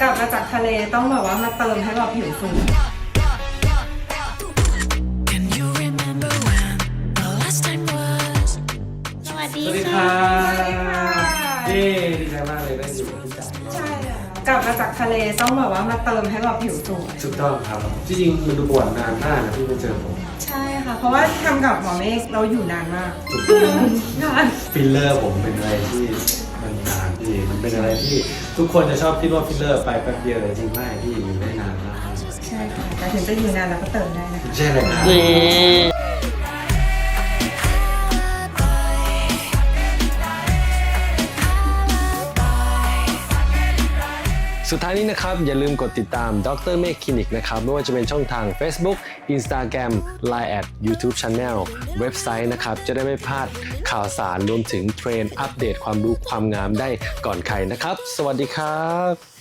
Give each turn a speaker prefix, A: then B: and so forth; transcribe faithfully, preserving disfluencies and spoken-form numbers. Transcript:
A: กลับมาจากทะเลต้องแบบว่ามาเติมให้แบบผิวฟู
B: สวัสดี
C: สวัสดี
B: ค่ะ
C: ค่ะเย้ดีใจมากเลยได้อยู่กับพี่จ๋า
A: ใช่กลับมาจากทะเลต้องแบบว่ามาเติมให้แบบผิวสวย
C: ถูกต้องครับที่จริงมันดูปวดนานมากนะที่มาเจอผม
A: ใช่ค่ะเพราะว่าทำกับหมอเมฆเราอยู่นานมาก
C: ถูกต้อง
A: นาน
C: ฟิลเลอร์ผมเป็นอะไรที่มันนานพี่มันเป็นอะไรที่ทุกคนจะชอบคิดว่าฟิลเลอร์ไปแป๊บเดียวแต่จริงไม่พี่อยู่ได้นานมาก
A: ใช่ค่ะแต่ถึงจะอยู่นานเราก็เติมได้นะคะ
C: ใช่เลยนะ
D: สุดท้ายนี้นะครับอย่าลืมกดติดตามดรเมฆคลินิกนะครับไม่ว่าจะเป็นช่องทาง Facebook Instagram ไลน์ แอท YouTube Channel เว็บไซต์นะครับจะได้ไม่พลาดข่าวสารรวมถึงเทรนด์อัปเดตความรู้ความงามได้ก่อนใครนะครับ สวัสดีครับ